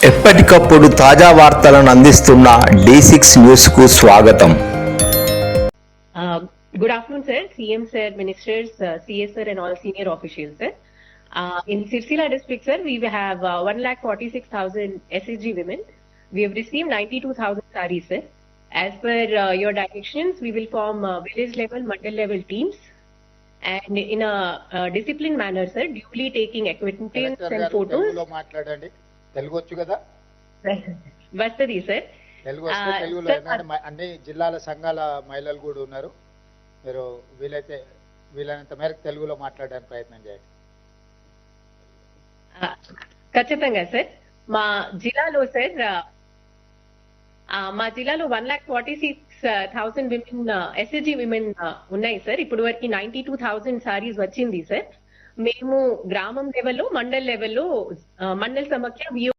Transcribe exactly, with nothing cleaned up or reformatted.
ఎప్పటికప్పుడు తాజా వార్తలను అందిస్తున్న డి సిక్స్ న్యూస్ కు స్వాగతం. Uh, good afternoon, sir. C M sir, ministers, uh, C S sir, and all senior officials, sir. Uh, in Sirsila district, sir, we have uh, one lakh forty-six thousand S H G women. We have received ninety-two thousand sarees, sir. As per uh, your directions, we will form uh, village level, mandal level teams, and in a uh, disciplined manner, sir, duly taking acquaintance collector and గారు photos. తెలుగులో మాట్లాడండి. తెలుగు వచ్చు కదా? Vastadi, sir. Telugu వస్తే Uh, తెలుగులో sir, ఏంటంటే మ- అన్ని జిల్లాల సంఘాల మహిళలు కూడా ఉన్నారు. మీరు వీలైతే వీలైనంత మేరకు తెలుగులో మాట్లాడడానికి ప్రయత్నం చేయండి. ఆ, ఖచ్చితంగా సార్. మా జిల్లాలో సార్ ఆ, మా జిల్లాలో one lakh forty six thousand women SSG women ఉన్నాయి సార్. ఇప్పుడు వరకు నైన్టీ టూ థౌసండ్ సారీస్ వచ్చింది సార్. మేము గ్రామం లెవెల్లో, మండల్ లెవెల్లో, మండల్ సమాఖ్య